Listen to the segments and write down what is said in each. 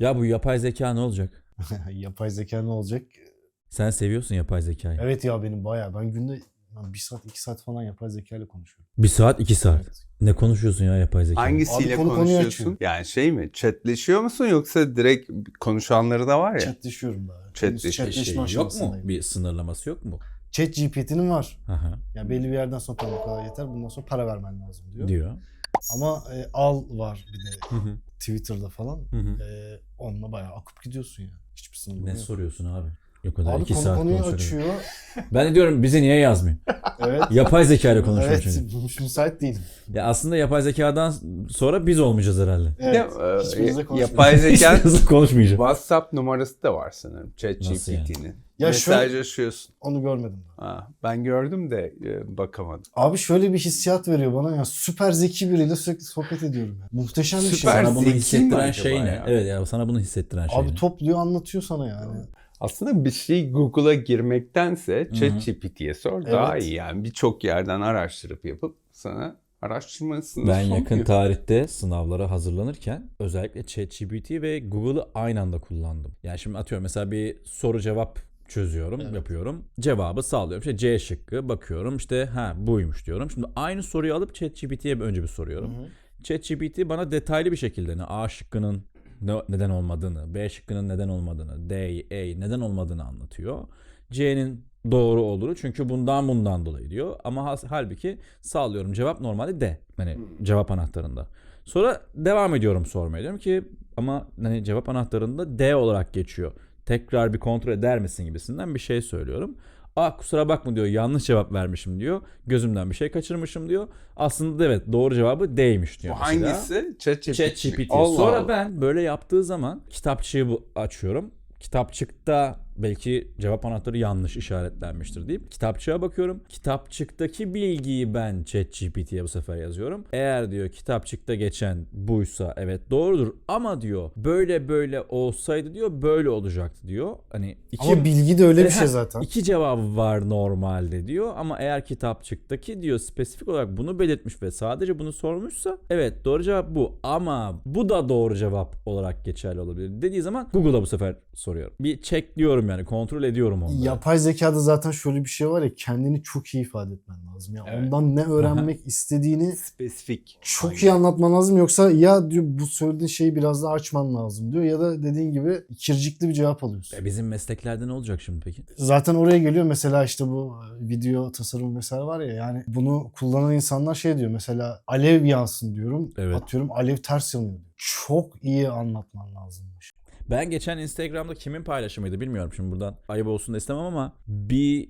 Ya bu yapay zeka ne olacak? Yapay zeka ne olacak? Sen seviyorsun yapay zekayı. Evet ya benim bayağı. Ben günde 1 saat 2 saat falan yapay zeka ile konuşuyorum. 1 saat 2 saat. Evet. Ne konuşuyorsun ya yapay zeka? Hangisiyle Abi konu konuyu konuşuyorsun? açıyor. Yani şey mi? Chatleşiyor musun yoksa direkt konuşanları da var ya? Chatleşiyorum daha. Chatleşme Chatleşme Yok mu? aşamasındayım. Bir sınırlaması yok mu? ChatGPT'nin var. Aha. Yani belli bir yerden sonra tamam bu kadar yeter. Bundan sonra para vermen lazım diyor. Diyor. Ama al var bir de Hı hı. Twitter'da falan. Hı hı. Onunla bayağı akıp gidiyorsun yani. Hiçbir sınırı Ne yok. soruyorsun abi? O kadar Abi 2 konu saat konuyu konuşuyorum. açıyor. Ben de diyorum bize niye yazmıyor? Evet. Yapay zeka ile konuşuyorum Evet. çünkü. Müsait değilim. Ya aslında yapay zekadan sonra biz olmayacağız herhalde. Evet. De, Hiçbirimizle konuşmuyoruz. yapay zeka Hiç konuşmayacağım. WhatsApp numarası da var sanırım. Nasıl yani? ChatGPT'nin. Ya şöyle- Mesajlaşıyorsun. Onu görmedim. Ha, ben gördüm de bakamadım. Abi şöyle bir hissiyat veriyor bana ya. Süper zeki biriyle sürekli sohbet ediyorum. Ya. Muhteşem bir şey. Süper Sana bunu zeki mi hissettiren acaba şey ne? ya? Evet ya sana bunu hissettiren şey Abi ne? topluyor anlatıyor sana yani. Aslında bir şey Google'a girmektense Hı. ChatGPT'ye sor daha Evet. iyi. Yani birçok yerden araştırıp yapıp sana araştırmasını Ben soruyor. yakın tarihte sınavlara hazırlanırken özellikle ChatGPT ve Google'ı aynı anda kullandım. Yani şimdi atıyorum mesela bir soru cevap çözüyorum, Evet. yapıyorum. Cevabı sağlıyorum. İşte C şıkkı bakıyorum. İşte buymuş diyorum. Şimdi aynı soruyu alıp ChatGPT'ye önce bir soruyorum. ChatGPT bana detaylı bir şekilde A şıkkının neden olmadığını, B şıkkının neden olmadığını, D, E neden olmadığını anlatıyor. C'nin doğru olduğunu çünkü bundan dolayı diyor. Ama halbuki sağlıyorum cevap normalde D. Hani cevap anahtarında. Sonra devam ediyorum sormaya. Diyorum ki ama hani cevap anahtarında D olarak geçiyor. Tekrar bir kontrol eder misin gibisinden bir şey söylüyorum. Kusura bakma diyor, yanlış cevap vermişim diyor. Gözümden bir şey kaçırmışım diyor. Aslında evet doğru cevabı D'ymiş diyor Bu mesela. hangisi? ChatGPT. ChatGPT. Allah Sonra Allah. ben böyle yaptığı zaman kitapçığı açıyorum. Kitapçıkta belki cevap anahtarı yanlış işaretlenmiştir deyip kitapçığa bakıyorum. Kitapçıktaki bilgiyi ben ChatGPT'ye bu sefer yazıyorum. Eğer diyor kitapçıkta geçen buysa evet doğrudur ama diyor böyle olsaydı diyor böyle olacaktı diyor. Hani Ama bilgi de öyle bir şey zaten. İki cevabı var normalde diyor ama eğer kitapçıktaki diyor spesifik olarak bunu belirtmiş ve sadece bunu sormuşsa evet doğru cevap bu ama bu da doğru cevap olarak geçerli olabilir dediği zaman Google'a bu sefer soruyorum. Bir checkliyorum yani kontrol ediyorum onları. Yapay zekada zaten şöyle bir şey var ya, kendini çok iyi ifade etmen lazım. Yani Evet. ondan ne öğrenmek istediğini Spesifik. çok iyi anlatman lazım, yoksa ya diyor bu söylediğin şeyi biraz daha açman lazım diyor ya da dediğin gibi ikircikli bir cevap alıyorsun. Bizim mesleklerde ne olacak şimdi peki? Zaten oraya geliyor mesela, işte bu video tasarım vesaire var ya, yani bunu kullanan insanlar şey diyor mesela, alev yansın diyorum, Evet. atıyorum alev ters yanıyor diyor. Çok iyi anlatman lazımmış. Ben geçen Instagram'da kimin paylaşımıydı bilmiyorum, şimdi buradan ayıp olsun da istemem ama bir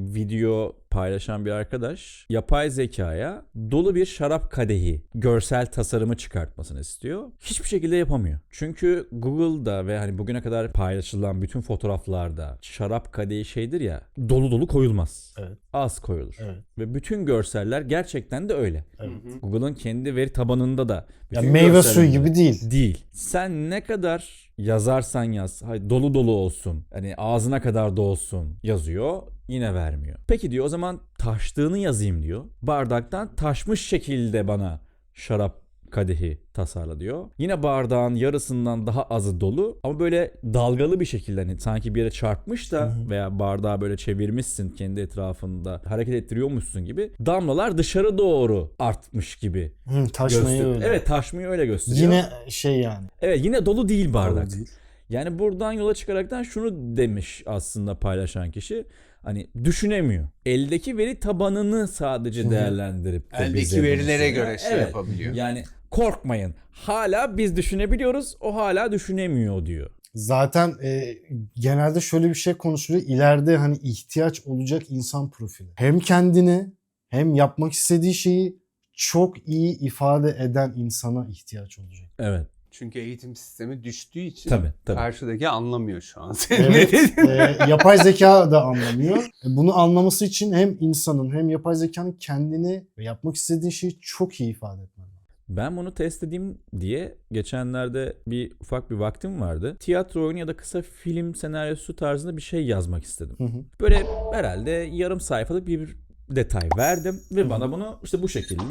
video paylaşan bir arkadaş yapay zekaya dolu bir şarap kadehi görsel tasarımı çıkartmasını istiyor. Hiçbir şekilde yapamıyor. Çünkü Google'da ve hani bugüne kadar paylaşılan bütün fotoğraflarda şarap kadehi şeydir ya, dolu koyulmaz. Evet. Az koyulur. Evet. Ve bütün görseller gerçekten de öyle. Evet. Google'ın kendi veri tabanında da bütün Ya meyve suyu görsellerinde- gibi değil. Değil. Sen ne kadar yazarsan yaz, dolu olsun, hani ağzına kadar dolsun yazıyor, yine vermiyor. Peki diyor, o zaman taştığını yazayım diyor. Bardaktan taşmış şekilde bana şarap kadehi tasarla diyor. Yine bardağın yarısından daha azı dolu ama böyle dalgalı bir şekilde, hani sanki bir yere çarpmış da veya bardağı böyle çevirmişsin, kendi etrafında hareket ettiriyormuşsun gibi damlalar dışarı doğru artmış gibi. Taşmayı öyle. Evet, taşmayı öyle gösteriyor. Yine şey yani. Evet, yine dolu değil bardak. Dolu değil. Yani buradan yola çıkaraktan şunu demiş aslında paylaşan kişi. Hani düşünemiyor. Eldeki veri tabanını sadece değerlendirip de Eldeki bize bunu verilere sunuyor. göre şey yapabiliyor. Yani korkmayın. Hala biz düşünebiliyoruz. O hala düşünemiyor diyor. Zaten genelde şöyle bir şey konuşuluyor. İleride hani ihtiyaç olacak insan profili. Hem kendini hem yapmak istediği şeyi çok iyi ifade eden insana ihtiyaç olacak. Evet. Çünkü eğitim sistemi düştüğü için Tabii. karşıdaki anlamıyor şu an. Senin Evet, ne dediğini. yapay zeka da anlamıyor. Bunu anlaması için hem insanın hem yapay zekanın kendini ve yapmak istediği şeyi çok iyi ifade etmen lazım. Ben bunu test edeyim diye geçenlerde ufak bir vaktim vardı. Tiyatro oyunu ya da kısa film senaryosu tarzında bir şey yazmak istedim. Böyle herhalde yarım sayfalık bir detay verdim ve bana bunu işte bu şekilde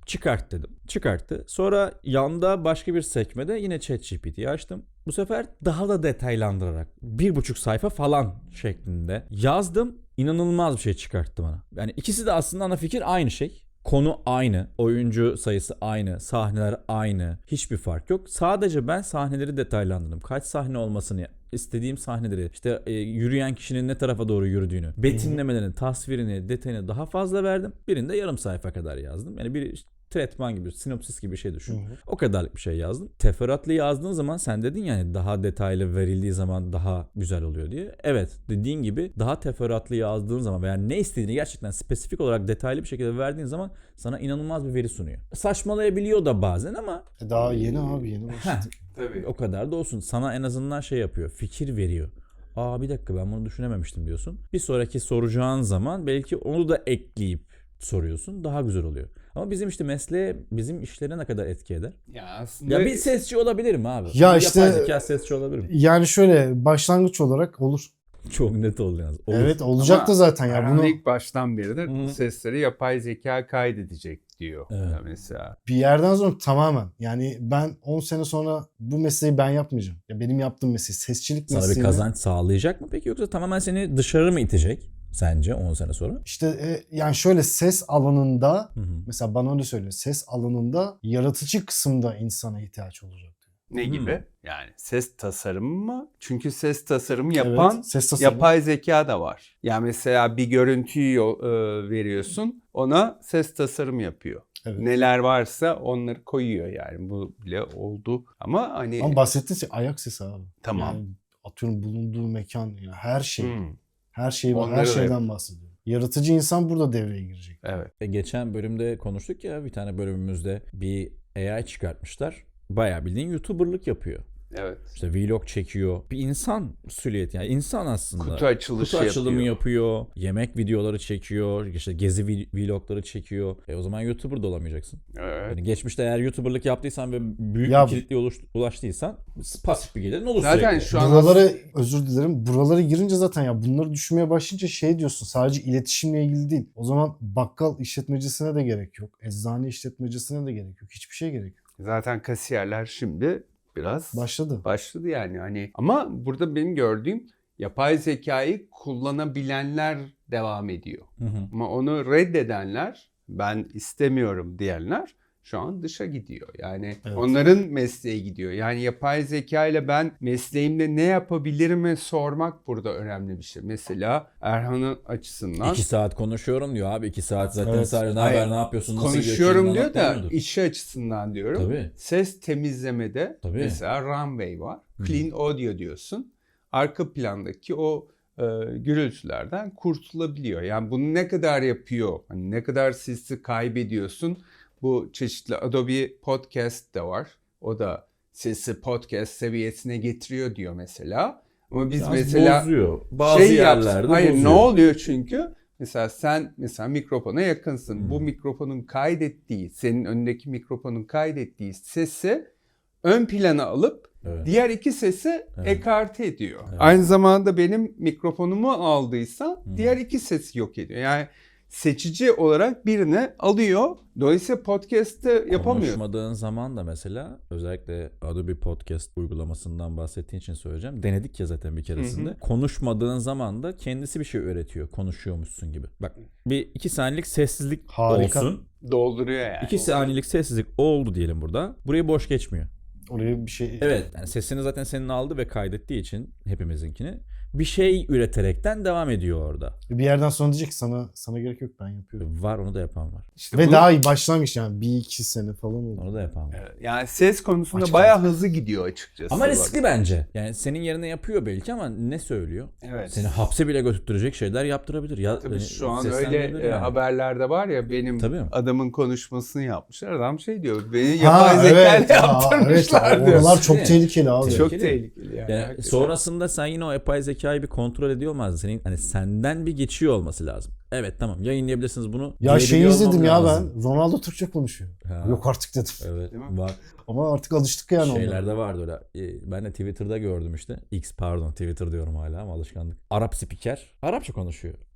çıkart dedim. Çıkarttı. Sonra yanda başka bir sekmede yine ChatGPT'yi açtım. Bu sefer daha da detaylandırarak 1,5 sayfa falan şeklinde yazdım. İnanılmaz bir şey çıkarttı bana. Yani ikisi de aslında ana fikir aynı şey. Konu aynı, oyuncu sayısı aynı, sahneler aynı, hiçbir fark yok. Sadece ben sahneleri detaylandırdım. Kaç sahne olmasını, istediğim sahneleri, işte yürüyen kişinin ne tarafa doğru yürüdüğünü, betimlemelerini, tasvirini, detayını daha fazla verdim. Birinde yarım sayfa kadar yazdım. Yani bir işte tretman gibi, sinopsis gibi bir şey düşün. O kadarlık bir şey yazdım. Teferruatlı yazdığın zaman sen dedin yani daha detaylı verildiği zaman daha güzel oluyor diye. Evet, dediğin gibi daha teferruatlı yazdığın zaman veya ne istediğini gerçekten spesifik olarak detaylı bir şekilde verdiğin zaman sana inanılmaz bir veri sunuyor. Saçmalayabiliyor da bazen ama Daha yeni abi, yeni başladık. Tabii. o kadar da olsun. Sana en azından şey yapıyor. Fikir veriyor. Aa bir dakika ben bunu düşünememiştim diyorsun. Bir sonraki soracağın zaman belki onu da ekleyip soruyorsun. Daha güzel oluyor. Ama bizim işte mesleğe, bizim işlere ne kadar etki eder? Ya aslında Ya bir sesçi olabilir mi abi? Ya Bir işte- yapay zeka sesçi olabilir mi? Yani şöyle başlangıç olarak olur. Çok net oldu yalnız. Olur. Evet olacak Ama da zaten ya Erhan bunu ilk baştan beri de Hı. sesleri yapay zeka kaydedecek diyor. Evet. Ya mesela. bir yerden sonra tamamen yani ben 10 sene sonra bu mesleği ben yapmayacağım. Ya benim yaptığım mesleği, sesçilik Sana bir mesleğini. kazanç sağlayacak mı peki yoksa tamamen seni dışarı mı itecek sence 10 sene sonra? İşte yani şöyle ses alanında Hı hı. mesela bana öyle söylüyor. Ses alanında yaratıcı kısımda insana ihtiyaç olacak diyor. Ne Hmm. gibi? Yani ses tasarımı mı? Çünkü ses tasarımı yapan Evet, ses tasarımı. yapay zeka da var. Yani mesela bir görüntüyü veriyorsun, ona ses tasarım yapıyor. Evet. Neler varsa onları koyuyor yani. Bu bile oldu. Ama hani Ama bahsettiğin şey ayak sesi abi. Tamam. Yani atıyorum bulunduğu mekan yani her şey. Hmm, Her şey Onları her da şeyden yapıyor. bahsediyor. Yaratıcı insan burada devreye girecek. evet. Geçen bölümde konuştuk ya bir tane bölümümüzde bir AI çıkartmışlar. Bayağı bildiğin YouTuber'lık yapıyor. Evet. İşte vlog çekiyor. Bir insan silüeti yani insan aslında. Kutu açılışı Kutu açılımı yapıyor. yapıyor. Yemek videoları çekiyor. İşte gezi vlogları çekiyor. O zaman YouTuber da olamayacaksın. Evet. Yani geçmişte eğer YouTuber'lık yaptıysan ve büyük Ya bir kitleye ulaştıysan pasif bir gelirin olur Zaten sürekli. şu an Buraları özür dilerim. Buraları girince zaten ya bunları düşünmeye başlayınca şey diyorsun, sadece iletişimle ilgili değil. O zaman bakkal işletmecisine de gerek yok. Eczane işletmecisine de gerek yok. Hiçbir şeye gerek yok. zaten kasiyerler şimdi biraz Başladı. yani hani ama burada benim gördüğüm yapay zekayı kullanabilenler devam ediyor. Hı hı. Ama onu reddedenler, ben istemiyorum diyenler şu an dışa gidiyor. Yani Evet. onların mesleği gidiyor. Yani yapay zeka ile ben mesleğimde ne yapabilirimi sormak burada önemli bir şey. Mesela Erhan'ın açısından 2 saat konuşuyorum diyor abi. 2 saat zaten Evet. sadece ne Hayır, haber, ne yapıyorsun, nasıl gidiyor, konuşuyorum kendini diyor anlat da demiyordur. işi açısından diyorum. Tabii. Ses temizlemede Tabii. mesela Runway var. Hı. Clean Audio diyorsun. Arka plandaki o gürültülerden kurtulabiliyor. Yani bunu ne kadar yapıyor? Hani ne kadar sesi kaybediyorsun? Bu çeşitli Adobe Podcast da var. O da sesi podcast seviyesine getiriyor diyor mesela. Ama biz Biraz mesela bozuyor. Bazı yerlerde hayır bozuyor. ne oluyor çünkü? Mesela sen mikrofona yakınsın. Bu mikrofonun kaydettiği, senin önündeki mikrofonun kaydettiği sesi ön plana alıp Evet. diğer iki sesi Evet. ekarte ediyor. Evet. Aynı zamanda benim mikrofonumu aldıysa diğer iki sesi yok ediyor. Yani seçici olarak birini alıyor. Dolayısıyla podcast'te yapamıyor. Konuşmadığın zaman da mesela özellikle Adobe Podcast uygulamasından bahsettiğin için söyleyeceğim. Denedik ya zaten bir keresinde. Hı hı. Konuşmadığın zaman da kendisi bir şey öğretiyor. Konuşuyormuşsun gibi. Bak bir 2 saniyelik sessizlik Harika. olsun. Dolduruyor yani. 2 saniyelik sessizlik oldu diyelim burada. Burayı boş geçmiyor. Oraya bir şey Evet. Yani sesini zaten senin aldı ve kaydettiği için hepimizinkini bir şey üreterekten devam ediyor orada. bir yerden sonra diyecek ki sana gerek yok, ben yapıyorum. Var onu da yapan var. İşte Ve bu- daha iyi başlangıç yani 1-2 sene falan oldu. Onu da yapan var. Evet, yani ses konusunda Açık bayağı hızlı gidiyor açıkçası. Ama Bak. riskli bence. Yani senin yerine yapıyor belki ama ne söylüyor? Evet. Seni hapse bile götürecek şeyler yaptırabilir. Ya, Tabii yani şu an seslendirebilir öyle yani. haberlerde var ya, benim Tabii. adamın konuşmasını yapmışlar. Adam şey diyor, beni Ha, yapay zekayla evet, yaptırmışlar diyor. oralar çok Değil mi? tehlikeli abi. Çok- Çok Tehlikeli. tehlikeli yani. Yani hakikaten. sonrasında sen yine o yapay zekayı bir kontrol ediyor olmazdın. Senin hani senden bir geçiyor olması lazım. Evet tamam yayınlayabilirsiniz bunu. Ya şeyi diyebiliyor izledim olmam ya lazım. ben. Ronaldo Türkçe konuşuyor. Ha. Yok artık dedim. Evet Değil mi? var. Ama artık alıştık yani onlara. Şeylerde vardı öyle. Ben de Twitter'da gördüm işte. X pardon Twitter diyorum hala ama alışkanlık. Arap spiker. Arapça konuşuyor. Ama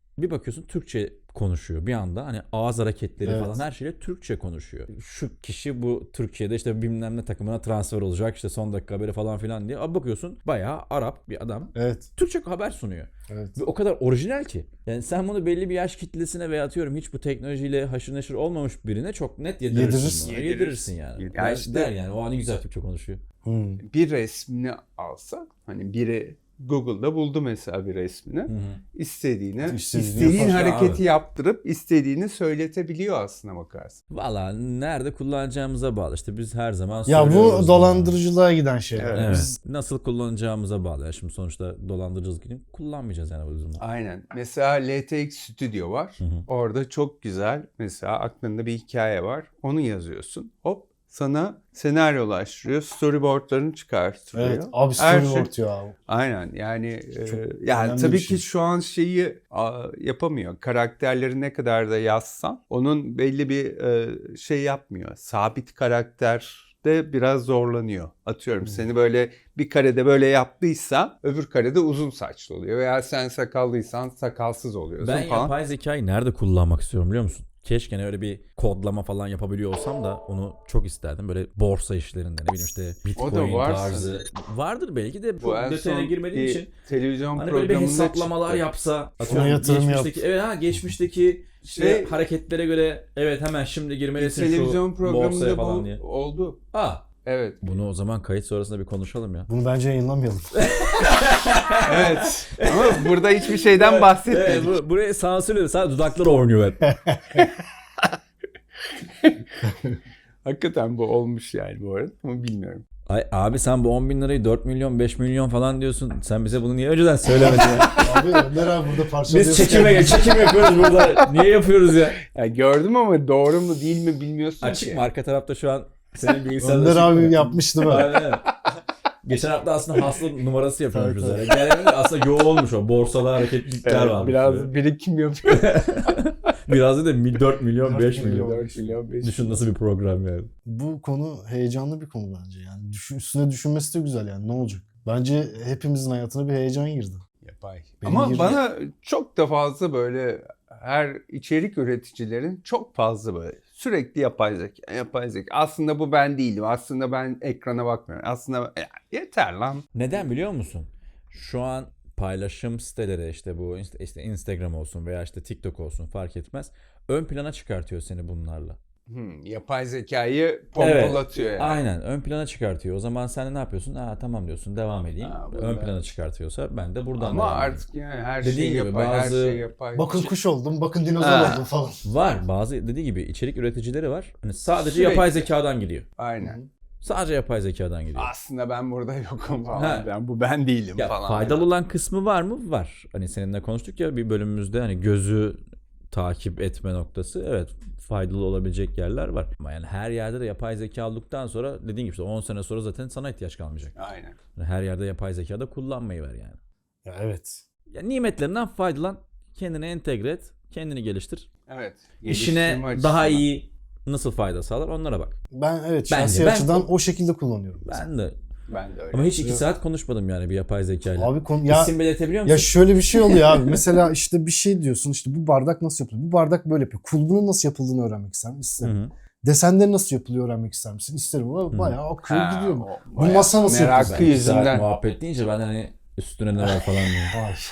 Bir bakıyorsun Türkçe konuşuyor bir anda. Hani ağız hareketleri Evet. falan her şeyle Türkçe konuşuyor. Şu kişi bu Türkiye'de işte bilmem ne takımına transfer olacak işte son dakika haberi falan filan diye. Abi bakıyorsun bayağı Arap bir adam Evet. Türkçe haber sunuyor. Evet. Ve o kadar orijinal ki. Yani sen bunu belli bir yaş kitlesine veya atıyorum hiç bu teknolojiyle haşır neşir olmamış birine çok net yedirirsin. Yedirirsin. bunu. Yedirirsin yani. Ya Der, işte- der yani o an güzel Türkçe konuşuyor. Bir resmini alsak hani biri Google'da buldu mesela bir resmini. İstediğini, İstediğini istediğin yapar. hareketi Abi. yaptırıp istediğini söyletebiliyor aslına bakarsın. Valla nerede kullanacağımıza bağlı. İşte biz her zaman Ya söylüyoruz. bu dolandırıcılığa giden şeyler. Evet. Evet. Nasıl kullanacağımıza bağlı. Yani şimdi sonuçta dolandırıcılık gibi kullanmayacağız yani bu yüzden. Aynen. Mesela LTX Studio var. Orada çok güzel mesela aklında bir hikaye var. Onu yazıyorsun. Hop sana senaryolaştırıyor. Storyboardlarını çıkartıyor. Evet. Abi Her storyboard şey- ya. Aynen yani Çok yani önemli tabii bir ki şey. şu an şeyi yapamıyor. Karakterleri ne kadar da yazsan onun belli bir şey yapmıyor. Sabit karakter de biraz zorlanıyor. Atıyorum seni böyle bir karede böyle yaptıysa öbür karede uzun saçlı oluyor. Veya sen sakallıysan sakalsız oluyorsun Ben falan. yapay zekayı nerede kullanmak istiyorum biliyor musun? Keşke öyle bir kodlama falan yapabiliyor olsam da onu çok isterdim. Böyle borsa işlerinde ne bileyim işte Bitcoin var tarzı. Vardır belki de Bu çok en detayına son girmediğim bir için. televizyon Hani böyle bir programında hesaplamalar çıktı. yapsa. Şuna yatırım geçmişteki, evet geçmişteki işte Şey- hareketlere göre evet hemen şimdi Bir girmelisin televizyon şu borsaya programında falan bu diye. oldu. Evet. Evet. Bunu o zaman kayıt sonrasında bir konuşalım ya. Bunu bence yayınlamayalım. Evet. Ama burada hiçbir şeyden bahsetmedik. Evet, buraya sansürledi. Sadece dudakları oynuyor hep. Hakikaten bu olmuş yani bu arada ama bilmiyorum. Ay abi sen bu 10 bin lirayı 4 milyon 5 milyon falan diyorsun. Sen bize bunu niye önceden söylemedin ya? Abi Önder abi burada parçalıyorsun. Biz çekim yapıyoruz burada. Niye yapıyoruz ya? Ya gördüm ama doğru mu değil mi bilmiyorsun Açık ki. mı? Arka tarafta şu an senin bilgisayarda Önder açık abi mı? yapmıştı böyle. Aynen. Geçen hafta aslında hasta numarası yapıyormuş Evet, üzere. Yani aslında yoğunmuş o. Borsada hareketlilikler Evet, varmış. biraz birikim yapıyor. Biraz da 4 milyon 5 4 milyon. 4 milyon 5 Düşün nasıl bir program yani. Bu konu heyecanlı bir konu bence yani. Üstüne düşünmesi de güzel yani ne olacak? Bence hepimizin hayatına bir heyecan girdi. Yapay. Benim Ama gibi- bana çok da fazla böyle her içerik üreticilerin çok fazla böyle sürekli yapay zeka. Aslında bu ben değilim. Aslında ben ekrana bakmıyorum. Aslında yeter lan. Neden biliyor musun? Şu an paylaşım siteleri işte bu işte Instagram olsun veya işte TikTok olsun fark etmez. Ön plana çıkartıyor seni bunlarla. Yapay zekayı pompalatıyor yani. Aynen ön plana çıkartıyor. O zaman sen de ne yapıyorsun? Tamam diyorsun devam edeyim. bu Ön da- plana çıkartıyorsa ben de buradan Ama devam edeyim. artık yani her Dediğin şey gibi yapay, her bazı- şey yapay. Bakın kuş oldum, bakın dinozor Ha. oldum falan. Var bazı dediği gibi içerik üreticileri var. Hani sadece Sürekli. yapay zekadan gidiyor. Aynen. Sadece yapay zekadan gidiyor. Aslında ben burada yokum falan. Ha. Ben değilim Ya falan. faydalı olan kısmı var mı? Var. Hani seninle konuştuk ya bir bölümümüzde hani gözü takip etme noktası. Evet faydalı olabilecek yerler var. Ama yani her yerde de yapay zeka olduktan sonra dediğin gibi işte 10 sene sonra zaten sana ihtiyaç kalmayacak. Aynen. Yani her yerde yapay zeka da kullanmayı ver yani. Ya evet. Ya nimetlerinden faydalan, kendini entegre et, kendini geliştir. Evet. İşine Geliştirme daha açısından. iyi nasıl fayda sağlar onlara bak. Ben evet Bence şahsi ben- açıdan o şekilde kullanıyorum. Ben de. Ben de öyle. Ama hiç 2 saat konuşmadım yani bir yapay zekayla. Abi ya İsim belirtebiliyor musun? ya şöyle bir şey oluyor abi. Mesela işte bir şey diyorsun işte bu bardak nasıl yapılıyor? Bu bardak böyle yapıyor. Kulbunun nasıl yapıldığını öğrenmek ister misin? İsterim. Hı hı. Desenleri nasıl yapılıyor öğrenmek ister misin? İsterim. Ama bayağı akıyor Ha, gidiyor. o Bu bayağı masa nasıl merakı yapılıyor? İki saat yüzünden. muhabbet deyince ben hani üstüne ne var falan diyorum. Ay.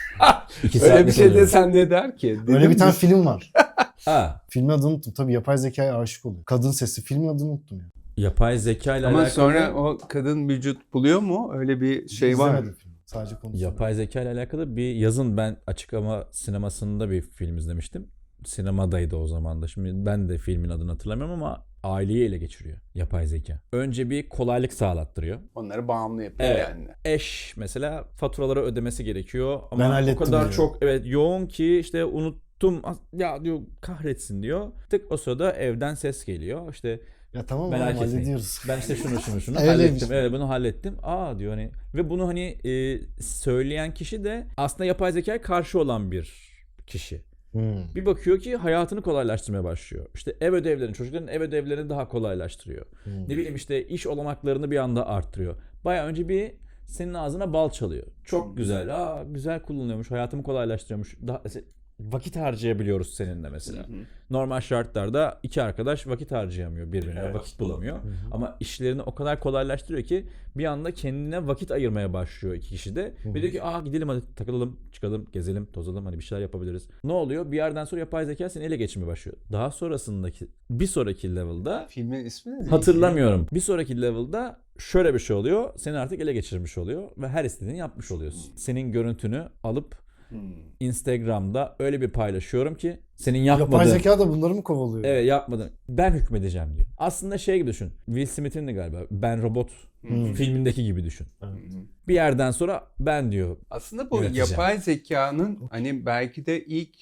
2 Öyle saat bir şey desen ne der ki? Öyle Dedim bir tane mi? film var. Filmin Filmin adını unuttum. Tabii yapay zekaya aşık oluyor. Kadın sesi. Filmin adını unuttum ya. yapay zeka ile Ama alakalı sonra o kadın vücut buluyor mu? Öyle bir şey var. İzlemedim filmi. Sadece konusu. yapay zeka ile alakalı bir yazın ben açık ama sinemasında bir film izlemiştim. Sinemadaydı o zaman da. Şimdi ben de filmin adını hatırlamıyorum ama aileyi ele geçiriyor yapay zeka. Önce bir kolaylık sağlattırıyor. Onları bağımlı yapıyor Evet. yani. Eş mesela faturaları ödemesi gerekiyor Ben ama o hallettim kadar diyor. çok yoğun ki işte unuttum ya diyor kahretsin diyor. Tık o sırada evden ses geliyor. İşte Ya tamam merak oğlum, etmeyin. hallediyoruz. Ben işte şunu Öyleymiş. hallettim. Evet bunu hallettim. Diyor hani ve bunu hani söyleyen kişi de aslında yapay zekaya karşı olan bir kişi. Bir bakıyor ki hayatını kolaylaştırmaya başlıyor. İşte ev ödevlerini, çocukların ev ödevlerini daha kolaylaştırıyor. Ne bileyim işte iş olanaklarını bir anda arttırıyor. Bayağı önce bir senin ağzına bal çalıyor. Çok güzel. Güzel kullanıyormuş. Hayatımı kolaylaştırıyormuş. Daha vakit harcayabiliyoruz seninle mesela. Normal şartlarda iki arkadaş vakit harcayamıyor birbirine, Evet. vakit bulamıyor. Ama işlerini o kadar kolaylaştırıyor ki bir anda kendine vakit ayırmaya başlıyor iki kişi de. Ve diyor ki gidelim hadi takılalım, çıkalım, gezelim, tozalım, hani bir şeyler yapabiliriz. Ne oluyor? Bir yerden sonra yapay zeka seni ele geçirmeye başlıyor. Daha sonrasındaki bir sonraki level'da Filmin ismi ne? hatırlamıyorum. Bir sonraki level'da şöyle bir şey oluyor. Seni artık ele geçirmiş oluyor ve her istediğini yapmış oluyorsun. Senin görüntünü alıp Instagram'da öyle bir paylaşıyorum ki senin Yapay yapmadığın... zeka da bunları mı kovalıyor? Evet, yapmadın. Ben hükmedeceğim diyor. Aslında şey gibi düşün. Will Smith'in de galiba Ben Robot filmindeki gibi düşün. Bir yerden sonra ben diyor. Aslında bu Yöneteceğim. yapay zekanın hani belki de ilk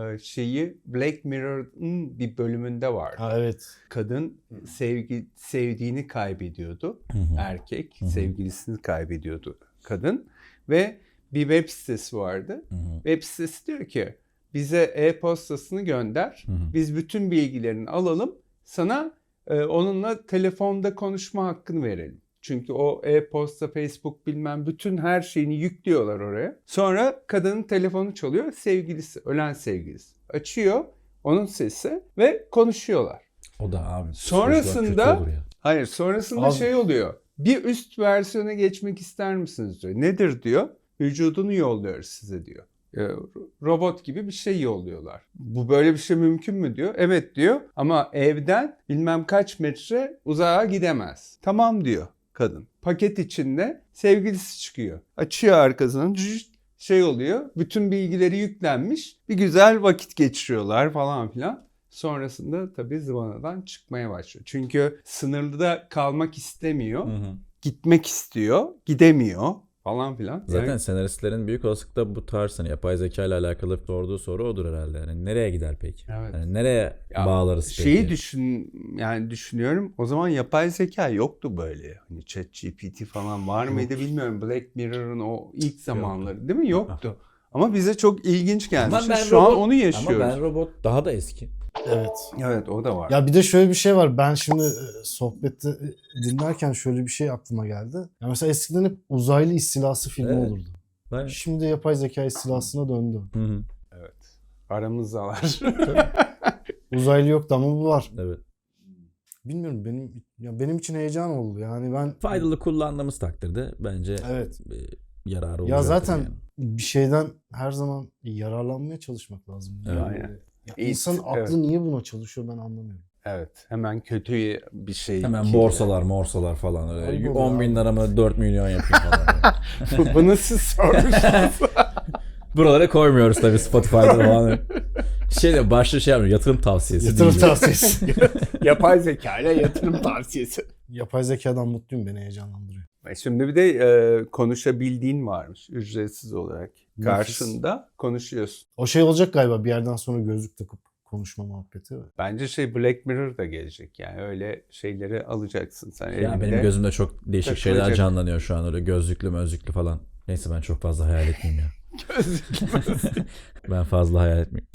şeyi Black Mirror'ın bir bölümünde var. Ha, evet. Kadın sevdiğini kaybediyordu. Erkek sevgilisini kaybediyordu kadın ve bir web sitesi vardı. Web sitesi diyor ki bize e-postasını gönder. Biz bütün bilgilerini alalım. Sana onunla telefonda konuşma hakkını verelim. Çünkü o e-posta, Facebook bilmem bütün her şeyini yüklüyorlar oraya. Sonra kadının telefonu çalıyor. Sevgilisi, ölen sevgilisi. Açıyor onun sesi ve konuşuyorlar. O da abi. Sonrasında hayır, Abi. şey oluyor. Bir üst versiyona geçmek ister misiniz diyor. Nedir diyor. Vücudunu yolluyoruz size diyor. Robot gibi bir şey yolluyorlar. Bu böyle bir şey mümkün mü diyor. Evet diyor ama evden bilmem kaç metre uzağa gidemez. Tamam diyor kadın. Paket içinde sevgilisi çıkıyor. Açıyor arkasını, şey oluyor. Bütün bilgileri yüklenmiş. Bir güzel vakit geçiriyorlar falan filan. Sonrasında tabii zıvanadan çıkmaya başlıyor. Çünkü sınırda kalmak istemiyor. Gitmek istiyor. Gidemiyor falan filan. Zaten Yani, senaristlerin büyük olasılıkla bu tarz hani yapay zeka ile alakalı sorduğu soru odur herhalde. Yani nereye gider peki? Evet. Yani nereye bağlarız peki? şeyi düşünüyorum. O zaman yapay zeka yoktu böyle. Hani ChatGPT falan var mıydı bilmiyorum. Black Mirror'ın o ilk zamanları değil mi? Yoktu. Ama bize çok ilginç gelmişti. Şu an onu yaşıyoruz. Ama Ben Robot daha da eski. Evet. Evet, o da var. Ya bir de şöyle bir şey var. Ben şimdi sohbette dinlerken şöyle bir şey aklıma geldi. Ya mesela eskiden hep uzaylı istilası filmi Evet. olurdu. Ben... Şimdi yapay zeka istilasına döndü. Evet. Aramızdalar. Uzaylı yoktu ama bu var. Evet. Bilmiyorum, benim için heyecan oldu. Yani ben Faydalı kullandığımız takdirde bence evet. yararı Ya olacaktır zaten yani. bir şeyden her zaman yararlanmaya çalışmak lazım. Evet. Aynen. İnsanın aklı niye buna çalışıyor ben anlamıyorum. Evet. Hemen kötüye bir şey. Hemen borsalar falan öyle. Ayıp 10 bin oluyor liramı 4 milyon yapayım falan. Bunu siz sormuşsunuz. Buralara koymuyoruz tabii Spotify'da falan. Başta şey yapmıyor, yatırım tavsiyesi. Yatırım değil. tavsiyesi. Yapay zeka ile yatırım tavsiyesi. Yapay zekadan mutluyum, beni heyecanlandırıyor. Şimdi bir de konuşabildiğin varmış ücretsiz olarak. Karşında konuşuyorsun. O şey olacak galiba bir yerden sonra gözlük takıp konuşma muhabbeti. Bence Black Mirror da gelecek yani öyle şeyleri alacaksın sen Ya elinde. benim gözümde çok değişik şeyler takılacak. canlanıyor şu an, öyle gözlüklü mözlüklü falan. Neyse ben çok fazla hayal etmeyeyim ya. Gözlük. Ben fazla hayal etmeyeyim.